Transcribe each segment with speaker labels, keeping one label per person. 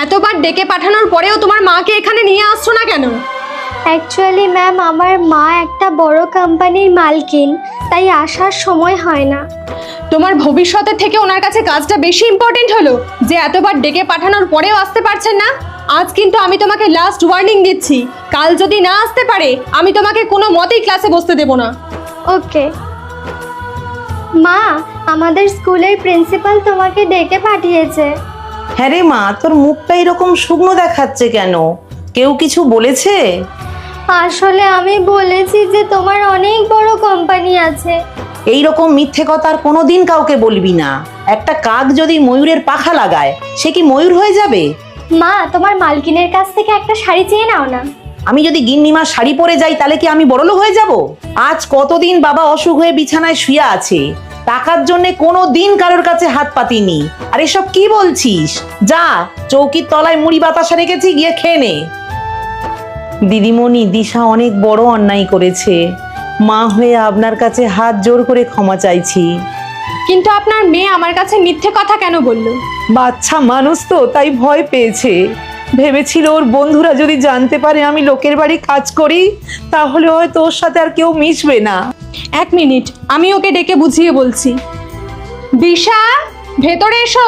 Speaker 1: এতবার ডেকে পাঠানোর পরেও তোমার মাকে এখানে নিয়ে আসছো না কেন?
Speaker 2: অ্যাকচুয়ালি ম্যাম, আমার মা একটা বড় কোম্পানির মালকিন, তাই আসার সময় হয় না।
Speaker 1: তোমার ভবিষ্যতের থেকে ওনার কাছে কাজটা বেশি ইম্পর্টেন্ট হলো যে এতবার ডেকে পাঠানোর পরেও আসতে পারছেন না? আজ কিন্তু আমি তোমাকে লাস্ট ওয়ার্নিং দিচ্ছি, কাল যদি না আসতে পারে আমি তোমাকে কোনো মতেই ক্লাসে বসতে দেব না।
Speaker 2: ওকে মা, আমাদের স্কুলের প্রিন্সিপাল তোমাকে ডেকে পাঠিয়েছে।
Speaker 3: হ্যাঁ রে মা, তোর মুখটা এরকম শুকনো দেখাচ্ছে কেন? কেউ কিছু বলেছে?
Speaker 2: আসলে আমি বলেছি যে তোমার অনেক বড় কোম্পানি আছে।
Speaker 3: এই রকম মিথ্যে কথা আর কোনোদিন কাউকে বলবি না। একটা কাক যদি ময়ূরের পাখা লাগায়, সে কি ময়ূর হয়ে যাবে?
Speaker 2: মা, তোমার মালকিনের কাছ থেকে একটা শাড়ি চেয়ে নাও না।
Speaker 3: আমি যদি গিন্নিমা শাড়ি পরে যাই তাহলে কি আমি বড়লোক হয়ে যাব? আজ কতদিন বাবা অসুখ হয়ে বিছানায় শুয়ে আছে, টাকার জন্য কোনো দিন কারোর কাছে হাত পাতিনি। আর এসব কি বলছিস? যা, চৌকির তলায় মুড়ি বাতাসা রেখেছি, গিয়ে খেয়ে নে। দিদিমণি, দিশা অনেক বড় অন্যায় করেছে। মা হয়ে আপনার কাছে হাত জোর করে ক্ষমা চাইছি।
Speaker 1: কিন্তু আপনার মেয়ে আমার কাছে মিথ্যে কথা কেন বলল?
Speaker 3: বাচ্চা মানুষ তো, তাই ভয় পেয়েছে। ভেবেছিল ওর বন্ধুরা যদি জানতে পারে আমি লোকের বাড়ি কাজ করি, তাহলে হয়তো ওর সাথে আর কেউ মিশবে না।
Speaker 1: এক মিনিট, আমি ওকে ডেকে বুঝিয়ে বলছি। দিশা, ভেতরে এসো।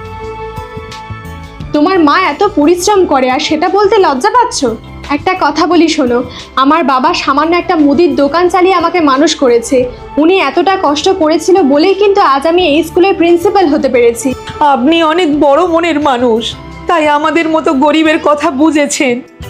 Speaker 1: তোমার মা এত পরিশ্রম করে আর সেটা বলতে লজ্জা পাচ্ছ? একটা কথা বলি শোনো, আমার বাবা সামান্য একটা মুদির দোকান চালিয়ে আমাকে মানুষ করেছে। উনি এতটা কষ্ট করেছিল বলেই কিন্তু আজ আমি এই স্কুলের প্রিন্সিপাল হতে পেরেছি।
Speaker 3: আপনি অনেক বড় মনের মানুষ, তাই আমাদের মতো গরিবের কথা বুঝেছেন।